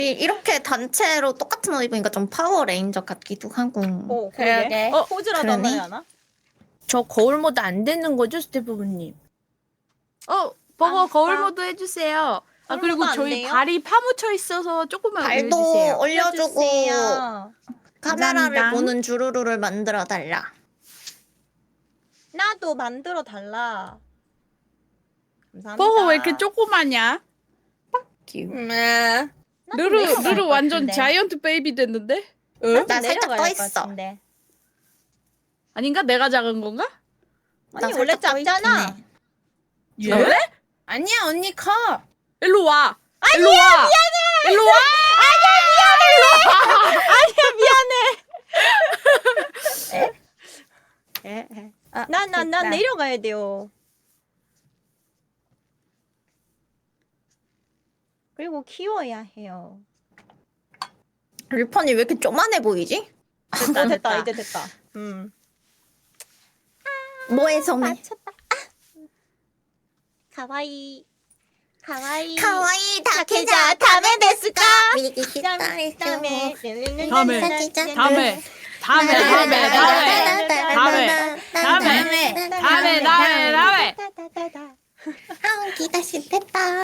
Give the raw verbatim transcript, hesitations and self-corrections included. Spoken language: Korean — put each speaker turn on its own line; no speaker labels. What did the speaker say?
이- 이렇게 단체로 똑같은 옷 입으니까 좀 파워레인저 같기도 하고.
어,
그러게.
그러게.
어,
포즈라도
그러네.
한번 해야 하나?
저 거울 모드 안 되는 거죠, 스태프분님? 어, 버거
아,
거울
아.
모드 해주세요. 아,
거울
그리고
모드 안
저희
돼요?
발이 파묻혀 있어서 조금만
발도
올려주세요.
올려주고
올려주세요.
카메라를
감사합니다.
보는 주루루를 만들어 달라.
나도 만들어 달라. 감사합니다.
버거 왜 이렇게 조그마냐?
네.
나도
루루,
내려가야
루루
할
완전
것 같은데.
자이언트 베이비 됐는데?
나도
나 살짝
내려가야
떠
할것
있어.
같은데.
아니가? 내가 작은 건가?
나
아니, 원래
살짝 떠
작잖아.
있긴 해.
예?
네?
아니야, 언니 커. 일로 와. 일로 와. 미안해. 일로 와.
아, 나, 나, 나
됐다.
내려가야 돼요. 그리고 키워야 해요.
류펀이 왜 이렇게 쪼만해 보이지?
됐다, 됐다,
됐다.
이제 됐다. 음.
뭐해 손에?
맞췄다. 가와이. 가와이.
카와이
다케자 다메 데스까?
미기
다음에.
다음에
다음에. 다음에. 다음에. 다음에. 다음에. 다음에. 다음에. 다음에. 다음에. 다음에.
다음에.
아우 기가 싫겠다.